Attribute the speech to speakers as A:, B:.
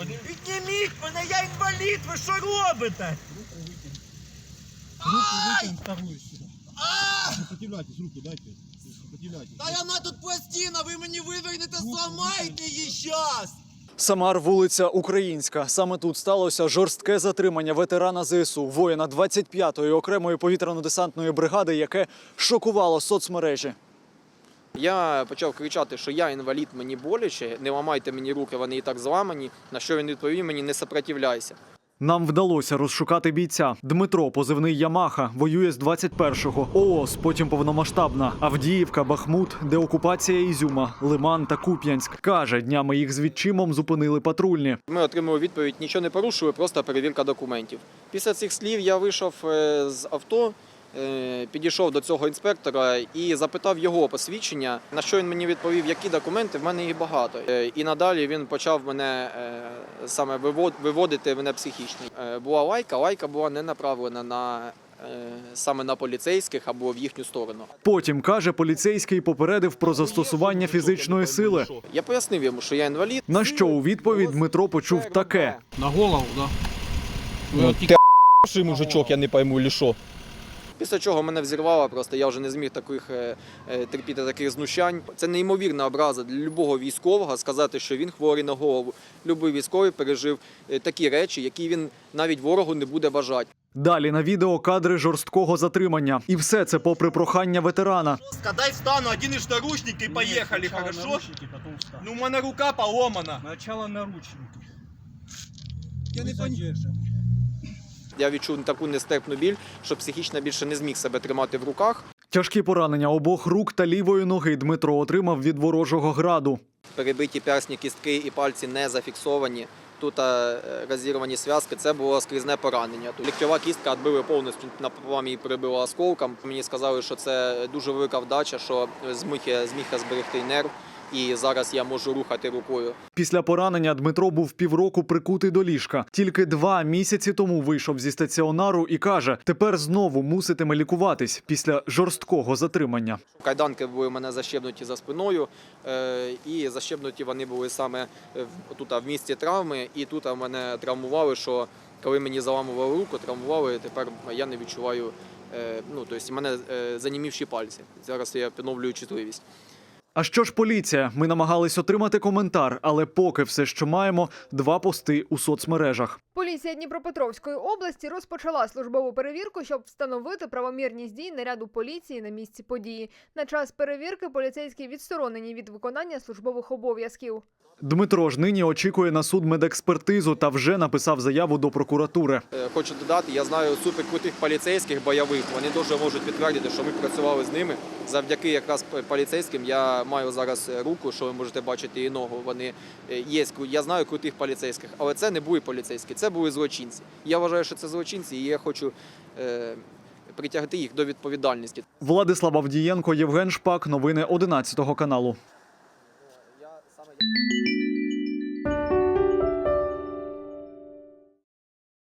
A: Підніміть мене, я інвалід, ви що робите?
B: Руку вытянь вторую сюда. Сопротивляйтесь, руку дайте. Сопротивляйтесь.
A: Та вона тут пластина, ви мені вивернете, зламаєте її щас!
C: Самар, вулиця Українська. Саме тут сталося жорстке затримання ветерана ЗСУ, воїна 25-ї окремої повітряно-десантної бригади, яке шокувало соцмережі.
D: Я почав кричати, що я інвалід, мені боляче, не ламайте мені руки, вони і так зламані, на що він відповів мені: не сопротивляйся.
C: Нам вдалося розшукати бійця. Дмитро, позивний Ямаха, воює з 21-го. ООС, потім повномасштабна. Авдіївка, Бахмут, деокупація Ізюма, Лиман та Куп'янськ. Каже, днями їх з відчимом зупинили патрульні.
D: Ми отримали відповідь: нічого не порушили, просто перевірка документів. Після цих слів я вийшов з авто, підійшов до цього інспектора і запитав його посвідчення, на що він мені відповів: які документи, в мене їх багато. І надалі він почав мене саме виводити мене психічно. Була лайка була не направлена саме на поліцейських або в їхню сторону.
C: Потім, каже, поліцейський попередив про застосування фізичної сили.
D: Я пояснив йому, що я інвалід.
C: На що у відповідь Дмитро почув таке.
B: На голову, да?
D: Ти мужичок, я не пойму, чи що. Після чого мене взірвало, просто я вже не зміг терпіти таких знущань. Це неймовірна образа для любого військового сказати, що він хворий на голову. Любий військовий пережив такі речі, які він навіть ворогу не буде бажати.
C: Далі на відео кадри жорсткого затримання. І все це попри прохання ветерана.
A: Дай встану, один із наручники і поїхали, хорошо?
B: Наручники, потом встань.
A: Ну, у мене рука поломана.
B: Сначала наручники.
A: Я не
B: понимаю.
D: Я відчув таку нестерпну біль, що психічно більше не зміг себе тримати в руках.
C: Тяжкі поранення обох рук та лівої ноги Дмитро отримав від ворожого граду.
D: Перебиті персні, кістки і пальці не зафіксовані. Тут розірвані зв'язки, це було скрізне поранення. Ліктьова кістка відбили повністю, напополам її перебило осколком. Мені сказали, що це дуже велика вдача, що зміг зберегти нерв. І зараз я можу рухати рукою.
C: Після поранення Дмитро був півроку прикутий до ліжка. Тільки 2 місяці тому вийшов зі стаціонару і каже, тепер знову муситиме лікуватись після жорсткого затримання.
D: Кайданки були в мене защебнуті за спиною, і защебнуті вони були саме тут в місці травми. І тут мене травмували, що коли мені заламували руку, травмували, тепер я не відчуваю, тобто в мене занімівші пальці. Зараз я поновлюю чутливість.
C: А що ж поліція? Ми намагались отримати коментар, але поки все, що маємо, 2 пости у соцмережах.
E: Поліція Дніпропетровської області розпочала службову перевірку, щоб встановити правомірність дій наряду поліції на місці події. На час перевірки поліцейські відсторонені від виконання службових обов'язків.
C: Дмитро ж нині очікує на судмедекспертизу та вже написав заяву до прокуратури.
D: Хочу додати, я знаю суперкрутих поліцейських бойових, вони дуже можуть підтвердити, що ми працювали з ними. Завдяки якраз поліцейським я маю зараз руку, що ви можете бачити, і ногу. Вони є, я знаю крутих поліцейських, але це не були поліцейські, це були злочинці. Я вважаю, що це злочинці, і я хочу притягти їх до відповідальності.
C: Владислав Авдієнко, Євген Шпак. Новини 11 каналу.